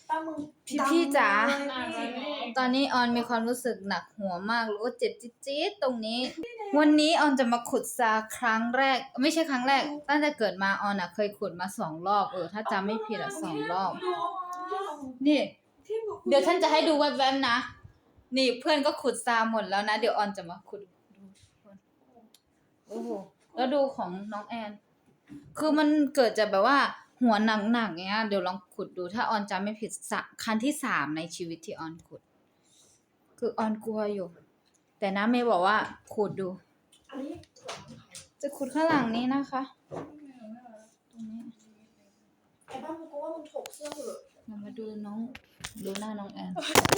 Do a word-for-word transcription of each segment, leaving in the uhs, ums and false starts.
พี่พี่จ๋าอ่ะวันนี้ตอนนี้ออนมีความรู้สึกหนักหัวมากรู้ว่าเจ็บจี๊ดๆตรงนี้ วันนี้ออนจะมาขุดซาครั้งแรก ไม่ใช่ครั้งแรก ตั้งแต่เกิดมาออนอะเคยขุดมาสองรอบเออถ้าจำไม่ผิดอะสองรอบ นี่ เดี๋ยวฉันจะให้ดูแวบๆนะ นี่เพื่อนก็ขุดซาหมดแล้วนะ เดี๋ยวออนจะมาขุดดูโอ้โหแล้วดูของน้องแอน คือมันเกิดจากแบบว่า หัวหนักๆเงี้ยเดี๋ยวลองขุดดูถ้าออนจำไม่ผิดสะครั้งที่สามในชีวิตที่ออนขุด คือออนกลัวอยู่ แต่น้าเมย์บอกว่าขุดดู จะขุดข้างหลังนี้นะคะตรงนี้ไอ้บ้ามึงก็ว่ามึงถกเสื้อเหอะเรามาดูน้องดูหน้าน้องแอน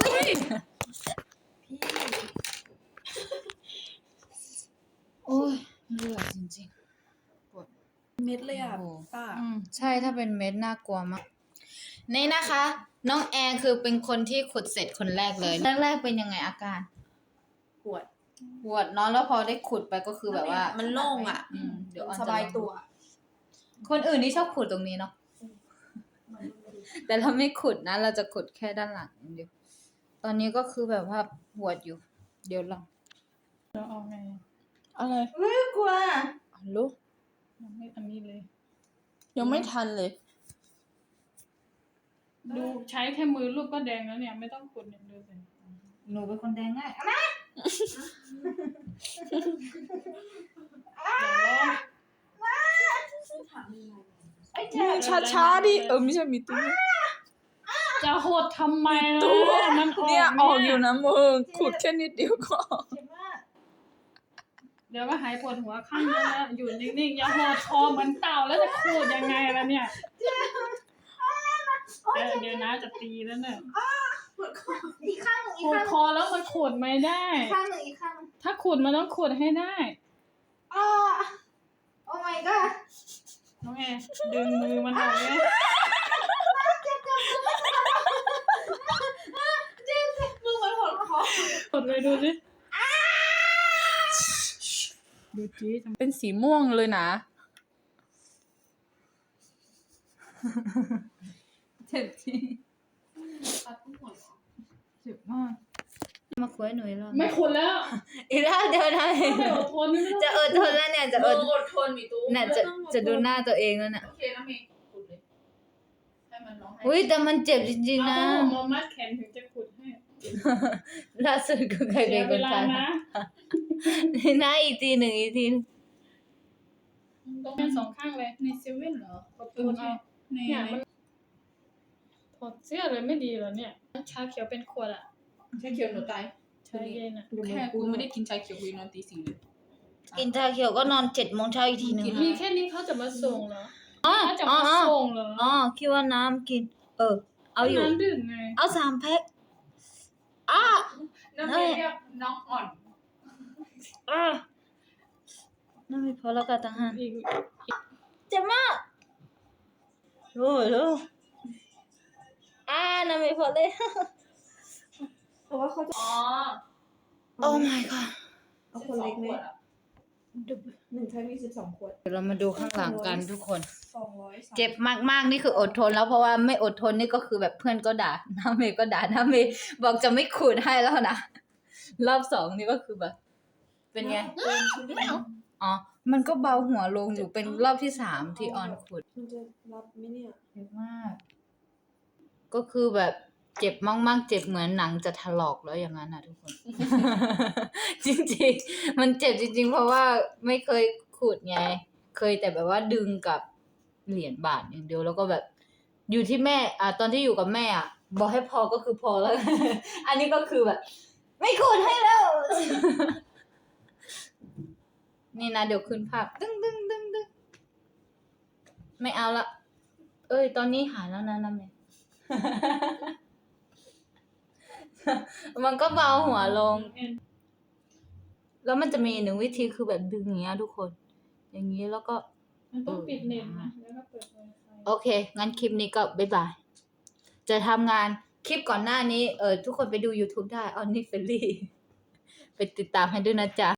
พี่โอ้ยเลือดจริงๆปวดเม็ดเลยอ่ะโอ้โหป้าอืมใช่ถ้าเป็นเม็ดน่ากลัวมากนี่นะคะ น้องแอนคือเป็นคนที่ขุดเสร็จคนแรกเลยแรกๆเป็นยังไงอาการปวดปวดเนาะแล้วพอได้ขุดไปก็คือแบบว่ามันโล่งอ่ะอืมเดี๋ยวออนสจะบายลองตัวคนอื่นนี่ชอบขุดตรงนี้เนาะแต่เราไม่ขุดนะ เราจะขุดแค่ด้านหลังอย่างเดียวตอนนี้ก็คือแบบว่าปวดอยู่ เดี๋ยวลองเราเอาไงอะไรเฮ้ยกลัวลูกยังไม่อันนี้เลยยังไม่ทันเลยดูใช้แค่มือรูปก็แดงแล้วเนี่ยไม่ต้องขุดเนี่ยดูสิหนูเป็นคนแดงง่ายเอามา ไอ้เจ้าช้าช้าๆดิเออไม่ใช่มีตู้จะหดทำไมล่ะตู้มันออกเนี่ยออกอยู่นะมึงขุดแค่นิดเดียวก็ออกเจ็บมากเดี๋ยวก็หายปวดหัวข้างนึงแล้วอยู่นิ่งๆอย่าหดคอเหมือนเต่าแล้วจะขูดยังไงล่ะเนี่ยเดี๋ยวเดี๋ยวนะจะตีแล้วเนี่ยอีกข้างหนึ่งอีขูกดข้างหคนึ่งอแล้วมันขูดไม่ได้อีกข้างหนึ่งอีกข้างหนึ่งถ้าขูดมันต้องขูดให้ได้อ้าโอ้ my god น้องแอร์ดึงมือมันออกเลยมึงมันหดคอขูดเลยดูสิดูจีเป็นสีม่วงเลยนะเจ็บจริงเจ็บมากมาคุยหน่อยแล้วไม่ขูดแล้วอีกแล้วเดี๋ยวนะไม่อดทนไม่ต้องจะอดทนแล้วเนี่ยจะอดอดทนมีตู้เนี่ยจะจะดูหน้าตัวเองแล้วเนี่ยโอเคนะเมย์ขุดเลยให้มันร้องให้อุ้ยแต่มันเจ็บจริงๆเอานะผ้าห่มมามัดแขนถึงจะขุดให้ล่าสุดก็เคยเสีเป็ยนเวคนลาทำนะนี่นะอีกทีหนึ่งอีกทีหนึ่งต้องเป็นสองข้างเลยในเซเว่นเหรอขอบคุณเอาในเนี่ยมันถอดเสื้อเลยไม่ดีเหรอเนี่ยชาเขียวเป็นขวดอ่ะชาเขียวหนูตายชาเย็นอ่ะแค่กูไม่ได้กินชาเขียวกูนอนตีสี่เลยกินชาเขียวก็นอนเจ็ดโมงเช้าอีกทีหนึ่งมีแค่นี้เขาจะมาส่งเหรออ๋อเขาจะอ๋อมาอ๋อส่งเหรออ๋อคิดว่าน้ำกิน เออ เอาอยู่น้ำดื่มไงเอาสามแพ็คอ้าน้ำเมย์เรียกน้องอ่อนอ้านั่นไม่พอแล้วกันต่างหากอีกเจ็บมากโอ้ยโอ้ยอ่านั่นไม่พอเลยเพราะว่าเขาจะอ๋อโอ้ my god เอาคนเล็กไหมหนึ่งใช้มีสิบสองขวดเดี๋ยวเรามาดูข้างหลังกันทุกคนสองร้อยสามเจ็บมากๆนี่คืออดทนแล้วเพราะว่าไม่อดทนนี่ก็คือแบบเพื่อนก็ด่าน้าเมย์ก็ด่าน้าเมย์บอกจะไม่ขูดให้แล้วนะรอบสองนี่ก็คือแบบ เป็นไงอ๋อมันก็เบาหัวลงอยู่เป็นรอบที่สามที่ออนขูดมันจะรับไหมเนี่ยเจ็บมาก ก็คือแบบเจ็บมากๆเจ็บเหมือนหนังจะถลอกแล้วอย่างนั้นนะทุกคน จริงๆมันเจ็บจริง ๆ เพราะว่าไม่เคยขูดไง เคยแต่แบบว่าดึงกับเหรียญบาทอย่างเดียวแล้วก็แบบ อยู่ที่แม่ อ่ะตอนที่อยู่กับแม่อ่ะบอกให้พอก็คือพอแล้ว อันนี้ก็คือแบบ ไม่ขูดให้แล้ว นี่นะเดี๋ยวขึ้นภาพตึ้งตึ้งตึ้งตึ้งไม่เอาละ เอ้ย ตอนนี้หายแล้วนะนะแม่ มันก็เบาหัวลง แล้วมันจะมีหนึ่งวิธีคือแบบดึงอย่างเงี้ยทุกคน อย่างนี้แล้วก็มันต้องปิดเน็ตนะแล้วก็เปิดไวไฟโอเค งั้นคลิปนี้ก็บ๊ายบาย จะทำงานคลิปก่อนหน้านี้ เออทุกคนไปดู YouTube ได้ออนนี่เฟลลี่ ไปติดตามให้ด้วยนะจ๊ะ